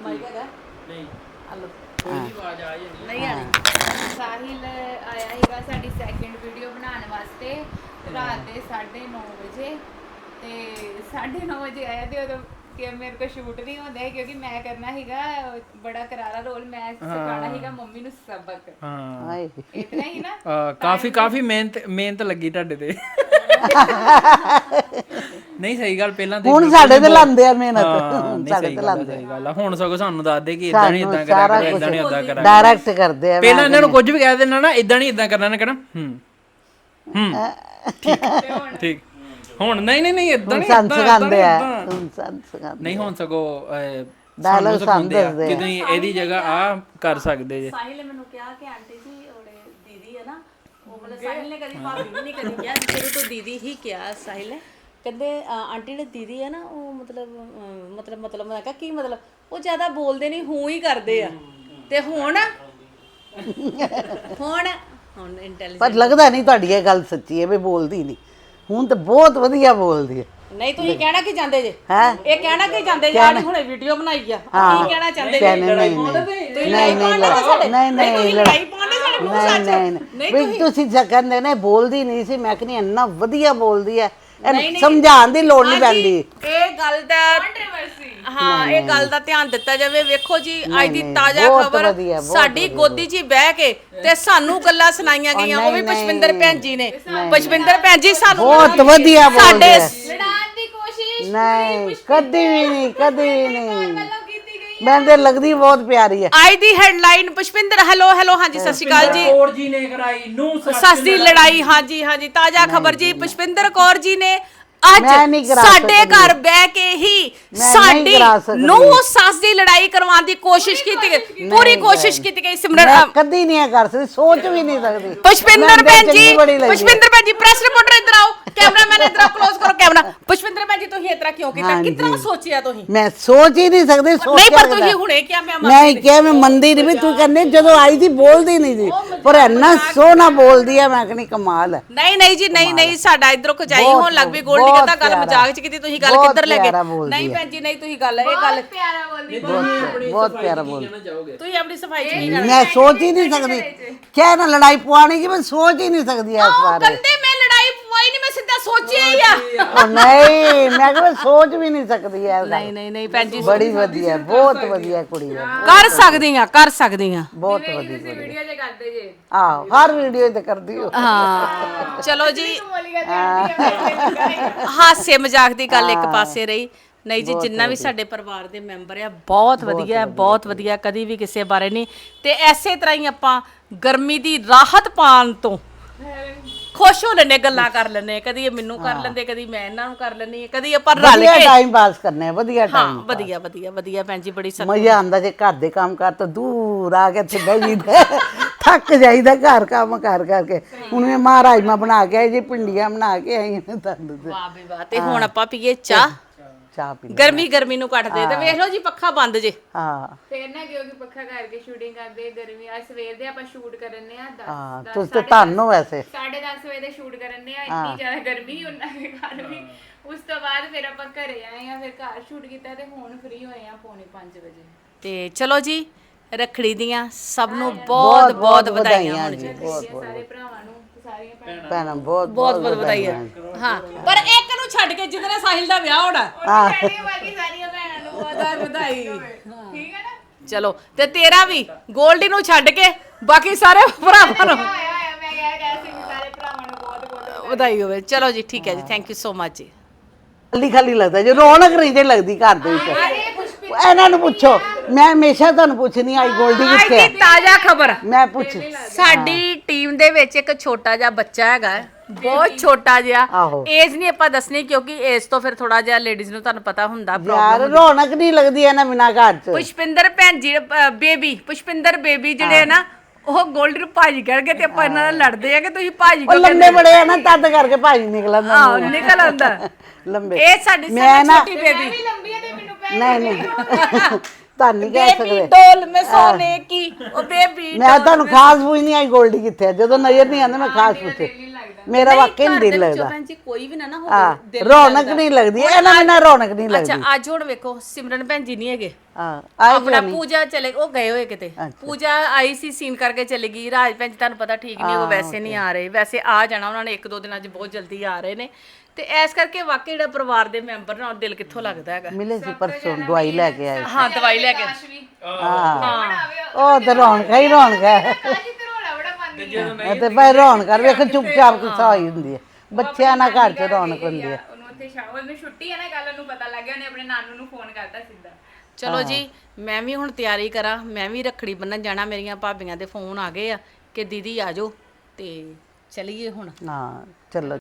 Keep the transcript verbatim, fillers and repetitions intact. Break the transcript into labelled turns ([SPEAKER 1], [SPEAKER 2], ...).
[SPEAKER 1] Mic ਹੈਗਾ
[SPEAKER 2] ਨਹੀਂ
[SPEAKER 1] hello
[SPEAKER 2] ਕੋਈ ਨਹੀਂ ਆਵਾਜ਼ ਆ ਜਾਂਦੀ
[SPEAKER 1] ਨਹੀਂ ਆਣੀ। ਸਾਹਿਲ ਆਇਆ ਸੀਗਾ ਸਾਡੀ ਸੈਕਿੰਡ ਵੀਡੀਓ ਬਣਾਉਣ ਵਾਸਤੇ ਰਾਤ ਦੇ ਸਾਢੇ ਨੌ ਵਜੇ ਤੇ ਸਾਢੇ ਨੌ ਵਜੇ ਆਇਆ ਤੇ ਉਦੋਂ ਕਿ ਮੇਰੇ ਕੋਲ ਸ਼ੂਟ ਨਹੀਂ ਹੁੰਦਾ ਕਿਉਂਕਿ ਮੈਂ ਕਰਨਾ ਸੀਗਾ ਬੜਾ ਕਰਾਰਾ ਰੋਲ ਮੈਂ ਸਿਖਾਉਣਾ ਸੀਗਾ ਮੰਮੀ ਨੂੰ ਸਬਕ।
[SPEAKER 2] ਹਾਂ
[SPEAKER 3] ਹਾਏ
[SPEAKER 1] ਇਤਨਾ ਹੀ ਨਾ
[SPEAKER 2] ਆ, ਕਾਫੀ ਕਾਫੀ ਮਿਹਨਤ ਮਿਹਨਤ ਲੱਗੀ ਤੁਹਾਡੇ ਤੇ ਨਹੀਂ ਸਹੀ ਗੱਲ ਪਹਿਲਾਂ ਤੇ
[SPEAKER 3] ਹੁਣ ਸਾਡੇ ਤੇ ਲਾਉਂਦੇ ਆ ਮਿਹਨਤ
[SPEAKER 2] ਹਾਂ
[SPEAKER 3] ਸਾਡੇ
[SPEAKER 2] ਸਹੀ
[SPEAKER 3] ਤੇ
[SPEAKER 2] ਗੱਲ ਆ,
[SPEAKER 3] ਲਾਉਂਦੇ
[SPEAKER 2] ਸਹੀ ਗੱਲ ਆ। ਹੁਣ ਸਗੋਂ ਸਾਨੂੰ ਦੱਸਦੇ ਕਿ ਇਦਾਂ ਨਹੀਂ ਇਦਾਂ
[SPEAKER 3] ਸਾਰਾ
[SPEAKER 2] ਕਰਾਂਗੇ ਇਦਾਂ ਨਹੀਂ ਉਦਾਂ ਕਰਾਂਗੇ
[SPEAKER 3] ਡਾਇਰੈਕਟ ਕਰਦੇ ਆ
[SPEAKER 2] ਪਹਿਲਾਂ ਇਹਨਾਂ ਨੂੰ ਕੁਝ ਵੀ ਕਹਿ ਦੇਣਾ ਨਾ ਇਦਾਂ ਨਹੀਂ ਇਦਾਂ ਕਰਨਾ ਨਾ ਕਹਿਣਾ ਹੂੰ ਹੂੰ ਠੀਕ ਠੀਕ ਹੁਣ ਨਹੀਂ ਨਹੀਂ ਨਹੀਂ ਇਦਾਂ ਨਹੀਂ
[SPEAKER 3] ਸਾਨੂੰ ਸਿਖਾਉਂਦੇ ਆ ਹੁਣ ਸਾਨੂੰ ਸਿਖਾਉਂਦੇ
[SPEAKER 2] ਨਹੀਂ ਹੁਣ ਸਗੋਂ
[SPEAKER 3] ਡਾਇਲੌਗ
[SPEAKER 2] ਸਾਨੂੰ
[SPEAKER 3] ਸਾਨੂੰ
[SPEAKER 2] ਸਿਖਾਉਂਦੇ ਆ
[SPEAKER 3] ਦੱਸਦੇ
[SPEAKER 2] ਕਿ ਤੁਸੀਂ ਇਹਦੀ ਜਗ੍ਹਾ ਆ ਕਰ ਸਕਦੇ ਜੇ
[SPEAKER 4] ਸਾਹਿਲ ਨੇ ਮੈਨੂੰ ਕਿਹਾ ਕਿ ਆਂਟੀ ਜੀ ਉਹਦੇ ਦੀਦੀ ਹੈ ਨਾ ਉਹ ਮਤਲਬ ਸਾਹਿਲ ਨੇ ਕਦੀ ਭਾਬੀ ਵੀ ਨਹੀਂ ਕਦੀ ਕਿਹਾ ਸ਼ੁਰੂ ਤੋਂ ਦੀਦੀ ਹੀ ਕਿਹਾ ਸਾਹਿਲ ਨੇ ਕਹਿੰਦੇ ਆਂਟੀ ਨੇ ਦੀਦੀ ਹੈ ਨਾ ਉਹ ਮਤਲਬ ਮਤਲਬ ਮਤਲਬ ਮੈਂ ਕਿਹਾ ਕੀ ਮਤਲਬ ਉਹ ਜ਼ਿਆਦਾ ਬੋਲਦੇ ਨਹੀਂ ਹੂੰ ਹੀ ਕਰਦੇ ਆ ਤੇ ਹੁਣ ਹੁਣ ਹੁਣ ਇੰਟੈਲੀਜੈਂਟ
[SPEAKER 3] ਪਰ ਲੱਗਦਾ ਨਹੀਂ ਤੁਹਾਡੀ ਇਹ ਗੱਲ ਸੱਚੀ ਹੈ ਵੀ ਬੋਲਦੀ ਨਹੀਂ ਹੁਣ ਤਾਂ ਬਹੁਤ ਵਧੀਆ ਬੋਲਦੀ ਹੈ
[SPEAKER 4] ਨਹੀਂ ਤੁਸੀਂ ਕਹਿਣਾ ਕੀ ਚਾਹੁੰਦੇ ਜੇ
[SPEAKER 3] ਹੈ
[SPEAKER 4] ਇਹ ਕਹਿਣਾ ਕੀ ਚਾਹੁੰਦੇ ਜੇ ਆਹ ਹੁਣੇ ਵੀਡੀਓ ਬਣਾਈ ਆ ਕੀ ਕਹਿਣਾ ਚਾਹੁੰਦੇ ਜੇ
[SPEAKER 3] ਨਹੀਂ ਨਹੀਂ ਨਹੀਂ ਨਹੀਂ ਨਹੀਂ
[SPEAKER 4] ਲੜਾਈ ਪਾਉਂਦੇ ਸਾਡੇ ਮੂੰਹ
[SPEAKER 3] ਨਹੀਂ ਨਹੀਂ ਨਹੀਂ ਵੀ ਤੁਸੀਂ ਕਹਿੰਦੇ ਨੇ ਬੋਲਦੀ ਨਹੀਂ ਸੀ ਮੈਂ ਕਹਿੰਦੀ ਇੰਨਾ ਵਧੀਆ ਬੋਲਦੀ ਹੈ ਇਹਨੂੰ ਸਮਝਾਉਣ ਦੀ ਲੋੜ ਨਹੀਂ ਪੈਂਦੀ
[SPEAKER 4] ਇਹ ਗੱਲ ਦਾ ਹਾਂ ਇਹ ਗੱਲ ਦਾ ਧਿਆਨ ਦਿੱਤਾ ਜਾਵੇ ਵੇਖੋ ਜੀ ਅੱਜ ਦੀ ਤਾਜ਼ਾ ਖਬਰ ਸਾਡੀ ਗੋਦੀ 'ਚ ਬਹਿ ਕੇ ਤੇ ਸਾਨੂੰ ਗੱਲਾਂ ਸੁਣਾਈਆਂ ਗਈਆਂ ਉਹ ਵੀ ਪੁਸ਼ਪਿੰਦਰ ਭੈਣ ਜੀ ਨੇ ਪੁਸ਼ਪਿੰਦਰ ਭੈਣ ਜੀ ਸਾਨੂੰ
[SPEAKER 3] ਬਹੁਤ ਵਧੀਆ ਬੋਲਦੇ ਆ
[SPEAKER 1] ਲੜਾਉਣ ਦੀ ਕੋਸ਼ਿਸ਼
[SPEAKER 3] ਨਹੀਂ ਕਦੀ ਵੀ ਨਹੀਂ ਕਦੀ ਵੀ ਨਹੀਂ ਮੈਨੂੰ ਤੇ ਲੱਗਦੀ ਬਹੁਤ ਪਿਆਰੀ ਹੈ
[SPEAKER 4] ਅੱਜ ਦੀ ਹੈਡਲਾਈਨ ਪੁਸ਼ਪਿੰਦਰ ਹੈਲੋ ਹੈਲੋ ਹਾਂਜੀ ਸਤਿ ਸ਼੍ਰੀ ਅਕਾਲ ਜੀ
[SPEAKER 2] ਕੌਰ ਜੀ ਨੇ ਕਰਾਈ ਨੂੰ
[SPEAKER 4] ਸੱਸ ਦੀ ਲੜਾਈ ਹਾਂਜੀ ਹਾਂਜੀ ਤਾਜ਼ਾ ਖਬਰ ਜੀ ਪੁਸ਼ਪਿੰਦਰ ਕੌਰ ਜੀ ਨੇ
[SPEAKER 3] ਮੈਂ ਨਹੀਂ
[SPEAKER 4] ਅੱਜ
[SPEAKER 3] ਕਰਾ
[SPEAKER 4] ਸਾਡੇ
[SPEAKER 3] ਸਕਦੀ।
[SPEAKER 4] ਘਰ ਬਹਿ ਕੇ ਹੀ
[SPEAKER 3] ਮੈਂ
[SPEAKER 4] ਸਾਡੀ
[SPEAKER 3] ਨਹੀਂ ਕਰਾ ਸਕਦੀ।
[SPEAKER 4] ਨੂੰ ਸੱਸ ਦੀ ਲੜਾਈ ਕਰਵਾਉਣ ਦੀ ਕੋਸ਼ਿਸ਼ ਕੀਤੀ ਗਈ ਪੂਰੀ ਕੋਸ਼ਿਸ਼ ਕੀਤੀ ਗਈ ਸਿਮਰਨ
[SPEAKER 3] ਮੈਂ ਕਦੀ ਨਹੀਂ ਇਹ ਕਰ ਸਕਦੀ ਸੋਚ ਵੀ ਨਹੀਂ ਸਕਦੀ
[SPEAKER 4] ਪੁਸ਼ਪਿੰਦਰ
[SPEAKER 3] ਮੈਨੂੰ
[SPEAKER 4] ਭੈਣ
[SPEAKER 3] ਚੰਗੀ
[SPEAKER 4] ਜੀ
[SPEAKER 3] ਬੜੀ ਲੱਗਦੀ ਹੈ।
[SPEAKER 4] ਪੁਸ਼ਪਿੰਦਰ ਭੈਣ ਜੀ ਪ੍ਰੈਸ ਰਿਪੋਰਟਰ ਇੱਧਰ ਆਓ ਕੈਮਰਾਮੈਨ ਇੱਧਰ ਆਓ ਕਲੋਜ਼ ਕਰੋ ਕੈਮਰਾ ਪੁਸ਼ਪਿੰਦਰ ਭੈਣ ਜੀ ਤੁਸੀਂ ਇਸ ਤਰ੍ਹਾਂ ਕਿਉਂ ਕੀਤਾ ਕਿਤਨਾ ਸੋਚਿਆ ਤੁਸੀਂ
[SPEAKER 3] ਮੈਂ ਸੋਚ ਹੀ ਨਹੀਂ ਸਕਦੀ ਸੋਚ
[SPEAKER 4] ਨਹੀਂ ਪਰ ਤੁਸੀਂ ਹੁਣੇ ਕਿਹਾ ਮੈਂ
[SPEAKER 3] ਮੈਂ ਕਿਹਾ ਮੈਂ ਮੰਨਦੀ ਨਹੀਂ ਵੀ ਤੂੰ ਕਹਿੰਦੇ ਜਦੋਂ ਆਈ ਸੀ ਬੋਲਦੀ ਨਹੀਂ ਸੀ ਪਰ ਇੰਨਾ ਸੋਹਣਾ ਬੋਲਦੀ ਹੈ ਮੈਂ ਕਹਿੰਦੀ ਕਮਾਲ ਹੈ
[SPEAKER 4] ਨਹੀਂ ਨਹੀਂ ਜੀ ਨਹੀਂ ਨਹੀਂ ਸਾਡਾ ਇਧਰੋਂ ਖਜਾਈ ਹੋਣ ਲੱਗ ਪਈ ਗੋਲਡੀ ਕਹਿੰਦਾ ਗੱਲ ਮਜ਼ਾਕ ਚ ਕੀਤੀ ਤੁਸੀਂ ਗੱਲ ਕਿੱਧਰ ਲੈ ਗਏ ਨਹੀਂ ਭੈਣ ਜੀ ਨਹੀਂ ਤੁਸੀਂ ਗੱਲ ਇਹ ਗੱਲ
[SPEAKER 1] ਪਿਆਰਾ ਬੋਲਦੀ
[SPEAKER 3] ਬਹੁਤ ਪਿਆਰਾ ਬੋਲ
[SPEAKER 4] ਤੁਸੀਂ ਆਪਣੀ ਸਫਾਈ ਚ ਨਹੀਂ
[SPEAKER 3] ਮੈਂ ਸੋਚ ਹੀ ਨਹੀਂ ਸਕਦੀ ਕਿਆ ਨਾ ਲੜਾਈ ਪਵਾਣੀ ਕਿ ਮੈਂ ਸੋਚ ਹੀ ਨਹੀਂ ਸਕਦੀ ਇਸ ਬਾਰੇ
[SPEAKER 4] ਕੰਦੇ ਮੈਂ ਲੜਾਈ ਪਵਾਈ ਨਹੀਂ ਮੈਂ ਸਿੱਧਾ ਸੋਚਿਆ ਹੀ ਆ
[SPEAKER 3] ਉਹ ਨਹੀਂ ਮੈਂ ਕਿਹਾ ਸੋਚ ਵੀ ਨਹੀਂ ਸਕਦੀ ਐ
[SPEAKER 4] ਨਹੀਂ ਨਹੀਂ ਨਹੀਂ ਭੈਣ ਜੀ
[SPEAKER 3] ਬੜੀ ਵਧੀਆ ਬਹੁਤ ਵਧੀਆ ਕੁੜੀ ਹੈ
[SPEAKER 4] ਕਰ ਸਕਦੀ ਆ ਕਰ ਸਕਦੀ ਆ
[SPEAKER 3] ਬਹੁਤ ਵਧੀਆ ਕੁੜੀ
[SPEAKER 1] ਵੀਡੀਓ ਜੇ ਕਰਦੇ ਜੇ
[SPEAKER 3] ਆਹ ਹਰ ਵੀਡੀਓ ਤੇ ਕਰਦੀ ਹੋ
[SPEAKER 4] ਹਾਂ ਚਲੋ ਜੀ
[SPEAKER 1] ਬੋਲੀਆਂ ਤੇ
[SPEAKER 4] ਹਾਸੇ ਮਜ਼ਾਕ ਦੀ ਗੱਲ ਇੱਕ ਪਾਸੇ ਰਹੀ ਨਹੀਂ ਜੀ ਜਿੰਨਾ ਵੀ ਸਾਡੇ ਪਰਿਵਾਰ ਦੇ ਮੈਂਬਰ ਆ ਬਹੁਤ ਵਧੀਆ ਹੈ ਬਹੁਤ ਵਧੀਆ ਕਦੀ ਵੀ ਕਿਸੇ ਬਾਰੇ ਨਹੀਂ ਤੇ ਐਸੇ ਤਰ੍ਹਾਂ ਹੀ ਆਪਾਂ ਗਰਮੀ ਦੀ ਰਾਹਤ ਪਾਉਣ ਤੋਂ ਖੁਸ਼ ਹੋ ਲੈਨੇ ਗੱਲਾਂ ਕਰ ਲੈਨੇ ਕਦੀ ਇਹ ਮੈਨੂੰ ਕਰ ਲੈਂਦੇ ਕਦੀ ਮੈਂ ਇਹਨਾਂ ਨੂੰ ਕਰ ਲੈਨੀ ਕਦੀ ਆਪਾਂ ਰਲ
[SPEAKER 3] ਵਧੀਆ
[SPEAKER 4] ਕੇ
[SPEAKER 3] ਟਾਈਮ ਪਾਸ ਕਰਨੇ ਆ ਵਧੀਆ
[SPEAKER 4] ਹਾਂ
[SPEAKER 3] ਟਾਈਮ
[SPEAKER 4] ਵਧੀਆ ਵਧੀਆ ਵਧੀਆ ਭੈਣ ਜੀ ਬੜੀ ਸਤ
[SPEAKER 3] ਮਜ਼ਾ ਆਉਂਦਾ ਜੇ ਘਰ ਦੇ ਕੰਮ ਕਰ ਤਾਂ ਦੂਰ ਆ ਕੇ ਇੱਥੇ ਬਹਿ ਜੀਦਾ ਥੱਕ ਜਾਈਦਾ ਘਰ ਕੰਮ ਕਰ ਕਰਕੇ ਹੁਣ ਮੈਂ ਮਹਾਰਾਜਮਾ ਬਣਾ ਕੇ ਆਈ ਜੀ ਪਿੰਡੀਆਂ ਬਣਾ ਕੇ ਆਈ ਨੇ ਤੁਹਾਨੂੰ
[SPEAKER 4] ਵਾਹ ਬਈ ਵਾਹ ਤੇ ਹੁਣ ਆਪਾਂ ਪੀਏ ਚਾਹ
[SPEAKER 3] ਚਾਹ ਪੀ
[SPEAKER 4] ਗਰਮੀ ਗਰਮੀ ਨੂੰ ਕੱਟਦੇ ਤੇ ਵੇਖ ਲਓ ਜੀ ਪੱਖਾ ਬੰਦ ਜੇ
[SPEAKER 3] ਹਾਂ
[SPEAKER 1] ਫੇਰ ਨਾ ਕਿਉਂਕਿ ਪੱਖਾ ਕਰਕੇ ਸ਼ੂਟਿੰਗ ਕਰਦੇ ਗਰਮੀ ਆ ਸਵੇਰ ਦੇ ਆਪਾਂ ਸ਼ੂਟ ਕਰਨੇ ਆ
[SPEAKER 3] ਹਾਂ
[SPEAKER 1] ਦਸ
[SPEAKER 3] ਤੁਸੀਂ ਤਾਂ ਤੁਹਾਨੂੰ ਵੈਸੇ
[SPEAKER 1] ਸਾਢੇ ਦਸ ਵਜੇ ਦੇ ਸ਼ੂਟ ਕਰਨੇ ਆ ਇੰਨੀ ਜ਼ਿਆਦਾ ਗਰਮੀ ਉਹਨਾਂ ਦੇ ਘਰ ਵੀ ਉਸ ਤੋਂ ਬਾਅਦ ਫਿਰ ਆਪਾਂ ਘਰੇ ਆਏ ਆ ਫਿਰ ਘਰ ਸ਼ੂਟ ਕੀਤਾ ਤੇ ਹੁਣ ਫ੍ਰੀ ਹੋਏ ਆ ਪੌਣੇ ਪੰਜ ਵਜੇ
[SPEAKER 4] ਤੇ ਚਲੋ ਜੀ ਰੱਖੜੀ ਦੀਆਂ ਸਭ ਨੂੰ ਬਹੁਤ ਬਹੁਤ ਵਧਾਈਆਂ ਹੋਣ ਜੀ
[SPEAKER 1] ਸਾਰੇ ਭਰਾਵਾਂ ਨੂੰ ਸਾਰੀਆਂ ਭੈਣਾਂ
[SPEAKER 3] ਭੈਣਾਂ ਬਹੁਤ
[SPEAKER 4] ਬਹੁਤ ਬਹੁਤ ਵਧਾਈਆਂ ਹਾਂ ਪਰ ਇੱਕ ਨੂੰ ਛੱਡ ਕੇ ਜਿਹਦੇ ਨਾਲ ਸਾਹਿਲ ਦਾ ਵਿਆਹ ਹੋਣਾ
[SPEAKER 1] ਸਾਰੀਆਂ ਬਾਕੀ ਸਾਰੀਆਂ ਭੈਣਾਂ ਨੂੰ
[SPEAKER 4] ਉਹਦਾ ਵਧਾਈ
[SPEAKER 1] ਠੀਕ ਹੈ ਨਾ
[SPEAKER 4] ਚਲੋ ਤੇ ਤੇਰਾ ਵੀ ਗੋਲਡੀ ਨੂੰ ਛੱਡ ਕੇ ਬਾਕੀ ਸਾਰੇ ਭਰਾਵਾਂ ਨੂੰ
[SPEAKER 1] ਆਇਆ ਆਇਆ ਮੈਂ ਕਹਿ ਕਹਿ ਸੀ ਸਾਰੇ ਭਰਾਵਾਂ ਨੂੰ ਬਹੁਤ ਬਹੁਤ
[SPEAKER 4] ਵਧਾਈ ਹੋਵੇ ਚਲੋ ਜੀ ਠੀਕ ਹੈ ਜੀ ਥੈਂਕ ਯੂ ਸੋ ਮਚ ਜੀ
[SPEAKER 3] ਖਾਲੀ ਖਾਲੀ ਲੱਗਦਾ ਜੇ ਰੌਣਕ ਨਹੀਂ ਜੇ ਲੱਗਦੀ ਘਰ ਦੇ ਵਿੱਚ ਇਹਨਾਂ ਨੂੰ ਪੁੱਛੋ ਮੈਂ ਹਮੇਸ਼ਾ ਤੁਹਾਨੂੰ ਪੁੱਛਣੀ ਆਈ ਗੋਲਡੀ
[SPEAKER 4] ਅੱਜ
[SPEAKER 3] ਕਿੱਥੇ
[SPEAKER 4] ਦੀ ਤਾਜ਼ਾ ਖਬਰ
[SPEAKER 3] ਮੈਂ ਪੁੱਛ
[SPEAKER 4] ਸਾਡੀ ਟੀਮ ਦੇ ਵਿੱਚ ਇੱਕ ਛੋਟਾ ਜਿਹਾ ਬੱਚਾ ਹੈਗਾ ਬਹੁਤ ਛੋਟਾ ਜਿਹਾ
[SPEAKER 3] ਆਹੋ।
[SPEAKER 4] ਏਜ ਨਹੀਂ ਆਪਾਂ ਦੱਸਣੀ ਕਿਉਂਕਿ ਏਜ ਤੋਂ ਫਿਰ ਥੋੜਾ ਜਿਹਾ ਲੇਡੀਜ਼ ਨੂੰ ਤੁਹਾਨੂੰ ਪਤਾ ਹੁੰਦਾ
[SPEAKER 3] ਯਾਰ ਰੌਣਕ ਨਹੀਂ ਲੱਗਦੀ ਇਹਨਾਂ ਬਿਨਾ ਘਰ ਚ
[SPEAKER 4] ਪੁਸ਼ਪਿੰਦਰ ਭੈਣ ਜੀ ਬੇਬੀ ਪੁਸ਼ਪਿੰਦਰ ਬੇਬੀ ਜਿਹੜੇ ਆ ਨਾ ਉਹ ਗੋਲਡੀ ਨੂੰ ਭਾਜੀ ਕਰਕੇ ਤੇ ਆਪਾਂ ਇਹਨਾਂ ਨਾਲ ਲੜਦੇ ਆ ਕਿ ਤੁਸੀਂ ਭਾਜੀ
[SPEAKER 3] ਉਹ ਲੰਬੇ ਬੜੇ ਆ ਨਾ ਤਦ ਕਰਕੇ ਭਾਜੀ ਨਿਕਲਣ ਦਾ
[SPEAKER 4] ਆਹ ਨਿਕਲ ਆਉਂਦਾ
[SPEAKER 3] ਲੰਬੇ
[SPEAKER 4] ਇਹ ਸਾਡੀ ਸਭ
[SPEAKER 3] ਮੈਂ ਨਾ-
[SPEAKER 4] ਛੋਟੀ ਬੇਬੀ
[SPEAKER 1] ਵੀ ਲੰਬੀ ਆ ਤੇ ਮੈਨੂੰ ਭੈਣ
[SPEAKER 3] ਨਹੀਂ ਨਹੀਂ ਤੁਹਾਨੂੰ ਨਹੀਂ ਕਹਿ
[SPEAKER 4] ਬੇਬੀ
[SPEAKER 3] ਸਕਦੇ
[SPEAKER 4] ਡੋਲ ਮੈਂ ਸੋਨੇ ਕੀ ਉਹ ਬੇਬੀ
[SPEAKER 3] ਮੈਂ ਤੁਹਾਨੂੰ ਖਾਸ ਪੁੱਛ ਨਹੀਂ ਆਈ ਗੋਲਡੀ ਕਿੱਥੇ ਆ ਜਦੋਂ ਨਜ਼ਰ ਨਹੀਂ ਆਉਂਦਾ ਮੈਂ ਖਾਸ ਪੁੱਛੇ
[SPEAKER 1] ਨਹੀਂ ਲੱਗਦਾ
[SPEAKER 3] ਮੇਰਾ ਵਾਕਈ ਨਹੀਂ ਦਿਲ
[SPEAKER 4] ਘਰ ਦੇ ਵਿੱਚੋਂ
[SPEAKER 3] ਲੱਗਦਾ
[SPEAKER 4] ਭੈਣ ਜੀ ਕੋਈ ਵੀ ਨਾ ਨਾ
[SPEAKER 3] ਹਾਂ
[SPEAKER 4] ਹੋਵੇ ਦਿਲ
[SPEAKER 3] ਰੌਣਕ ਨਹੀਂ ਲੱਗਦੀ ਇਹਨਾਂ ਬਿਨਾਂ ਰੌਣਕ ਨਹੀਂ ਲੱਗਦੀ
[SPEAKER 4] ਅੱਛਾ ਅੱਜ ਹੁਣ ਵੇਖੋ ਸਿਮਰਨ ਭੈਣ ਜੀ ਨਹੀਂ ਹੈਗੇ
[SPEAKER 3] ਹਾਂ ਆਏ
[SPEAKER 4] ਆਪਣਾ ਪੂਜਾ ਚਲੇ ਉਹ ਗਏ ਹੋਏ ਕਿਤੇ
[SPEAKER 3] ਅੱਛਾ।
[SPEAKER 4] ਪੂਜਾ ਆਈ ਸੀ ਸੀਨ ਕਰਕੇ ਚਲੀ ਗਈ ਰਾਜ ਭੈਣ ਜੀ ਤੁਹਾਨੂੰ ਪਤਾ ਠੀਕ ਨਹੀਂ ਉਹ ਵੈਸੇ ਨਹੀਂ ਆ ਰਹੇ ਵੈਸੇ ਆ ਜਾਣਾ ਉਹਨਾਂ ਨੇ ਇੱਕ ਦੋ ਦਿਨਾਂ 'ਚ ਬਹੁਤ ਜਲਦੀ ਆ ਰਹੇ ਨੇ ਤੇ ਇਸ ਕਰਕੇ ਵਾਕਈ ਜਿਹੜਾ ਪਰਿਵਾਰ ਦੇ ਮੈਂਬਰ ਨਾਲ ਦਿਲ ਕਿੱਥੋਂ ਲੱਗਦਾ ਹੈਗਾ
[SPEAKER 3] ਮਿਲੇ ਸੀ ਪਰਸੋਂ ਦਵਾਈ ਲੈ ਕੇ ਆਏ
[SPEAKER 4] ਹਾਂ ਦਵਾਈ ਲੈ ਕੇ
[SPEAKER 1] ਆਕਾਸ਼ ਵੀ
[SPEAKER 3] ਹਾਂ ਉਹ ਤਾਂ ਰੌਣਕ ਹੀ ਰੌਣਕ ਹੈ
[SPEAKER 1] ਆਕਾਸ਼ ਤੇ ਰੋਲਾ ਬੜਾ ਪਾਉਂਦੀ ਹੈ
[SPEAKER 3] ਇਹ ਤੇ ਭਾਈ ਰੌਣਕ ਕਰ ਵੇਖ ਚੁੱਪਚਾਪ ਗੁੱਸਾ ਹੋਈ ਹੁੰਦੀ ਹੈ ਬੱਚਿਆਂ ਨਾਲ ਘਰ 'ਚ ਰੌਣਕ ਹੁੰਦੀ ਹੈ
[SPEAKER 1] ਉਹਨੂੰ ਉੱਥੇ ਸ਼ਾਮ ਉਹਨੂੰ ਛੁੱਟੀ ਹੈ ਨਾ ਕੱਲ ਉਹਨੂੰ ਪਤਾ ਲੱਗ ਗਿਆ ਉਹਨੇ ਆਪਣੇ ਨਾਨੂ ਨੂੰ ਫੋਨ ਕਰਤਾ ਸਿੱਧਾ
[SPEAKER 4] ਚਲੋ ਜੀ ਮੈਂ ਵੀ ਹੁਣ ਤਿਆਰੀ ਕਰਾਂ ਮੈਂ ਵੀ ਰੱਖੜੀ ਬੰਨਣ ਜਾਣਾ ਮੇਰੀਆਂ ਭਾਬੀਆਂ ਦੇ ਫੋਨ ਆ ਗਏ ਆ ਕਿ ਦੀਦੀ ਆ ਜਾਓ ਤੇ ਚਲੀਏ ਹੁਣ
[SPEAKER 3] ਹਾਂ ਚਲੋ